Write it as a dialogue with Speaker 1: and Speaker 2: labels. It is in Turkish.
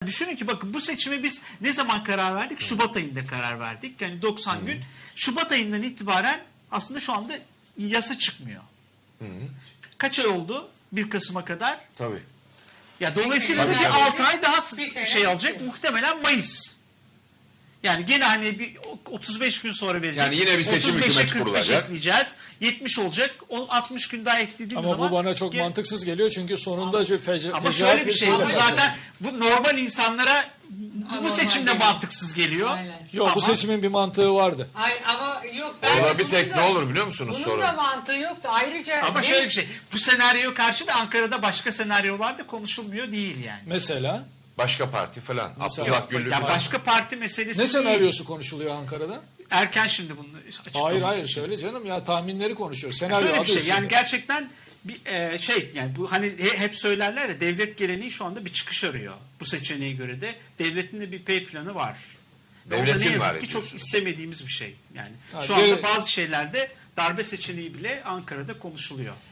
Speaker 1: Düşünün ki bakın bu seçime biz ne zaman karar verdik? Şubat ayında karar verdik. Yani 90 gün. Şubat ayından itibaren aslında şu anda yasa çıkmıyor. Kaç ay oldu? 1 Kasım'a kadar.
Speaker 2: Tabii.
Speaker 1: Ya dolayısıyla da
Speaker 2: Tabii,
Speaker 1: bir
Speaker 2: tabii.
Speaker 1: 6 ay daha
Speaker 3: Bir sene
Speaker 1: şey alacak.
Speaker 3: bitti.
Speaker 1: Muhtemelen Mayıs. Yani gene hani bir 35 gün sonra verecek.
Speaker 2: Yani yine bir seçim
Speaker 1: 35'e
Speaker 2: hükümeti
Speaker 1: 45
Speaker 2: kurulacak.
Speaker 1: ekleyeceğiz. 70 olacak. O 60 gün daha eklediğimiz
Speaker 4: Ama
Speaker 1: zaman.
Speaker 4: bu bana çok mantıksız geliyor çünkü sonunda
Speaker 1: Ama
Speaker 4: fecaat
Speaker 1: şöyle bir şey.
Speaker 4: şeyle
Speaker 1: Bu
Speaker 4: başlıyor.
Speaker 1: zaten bu normal insanlara bu
Speaker 3: Normal
Speaker 1: seçimde
Speaker 3: geliyor.
Speaker 1: mantıksız geliyor.
Speaker 3: Aynen.
Speaker 4: Yok bu
Speaker 1: Ama-
Speaker 4: seçimin bir mantığı vardı.
Speaker 3: Ay, ama yok. Ben
Speaker 2: Orada bir
Speaker 3: bunun
Speaker 2: tek
Speaker 3: da-
Speaker 2: ne olur biliyor musunuz
Speaker 3: Bunun
Speaker 2: sorun?
Speaker 3: da mantığı yoktu. Ayrıca
Speaker 1: Ama
Speaker 3: hem-
Speaker 1: şöyle bir şey. Bu senaryo karşı da Ankara'da başka senaryolar da konuşulmuyor değil yani.
Speaker 4: Mesela
Speaker 2: Başka parti falan.
Speaker 4: Mesela-
Speaker 2: Abdullah Gül'lü
Speaker 1: Ya
Speaker 2: falan.
Speaker 1: başka parti meselesi
Speaker 4: ne
Speaker 1: değil.
Speaker 4: senaryosu konuşuluyor Ankara'da?
Speaker 1: Erken şimdi bunu açıklamak.
Speaker 4: Hayır hayır söyle canım ya tahminleri konuşuyoruz. Senaryo
Speaker 1: Şöyle bir
Speaker 4: adı
Speaker 1: şey
Speaker 4: üstünde.
Speaker 1: yani gerçekten bir şey yani bu hani hep söylerler ya devlet geleneği şu anda bir çıkış arıyor. Bu seçeneğe göre de devletin de bir P planı var. Ve o da
Speaker 2: Devletin
Speaker 1: ne yazık
Speaker 2: var
Speaker 1: ki çok
Speaker 2: diyorsunuz.
Speaker 1: istemediğimiz bir şey. Yani
Speaker 4: Ha,
Speaker 1: şu anda bazı şeylerde darbe seçeneği bile Ankara'da konuşuluyor.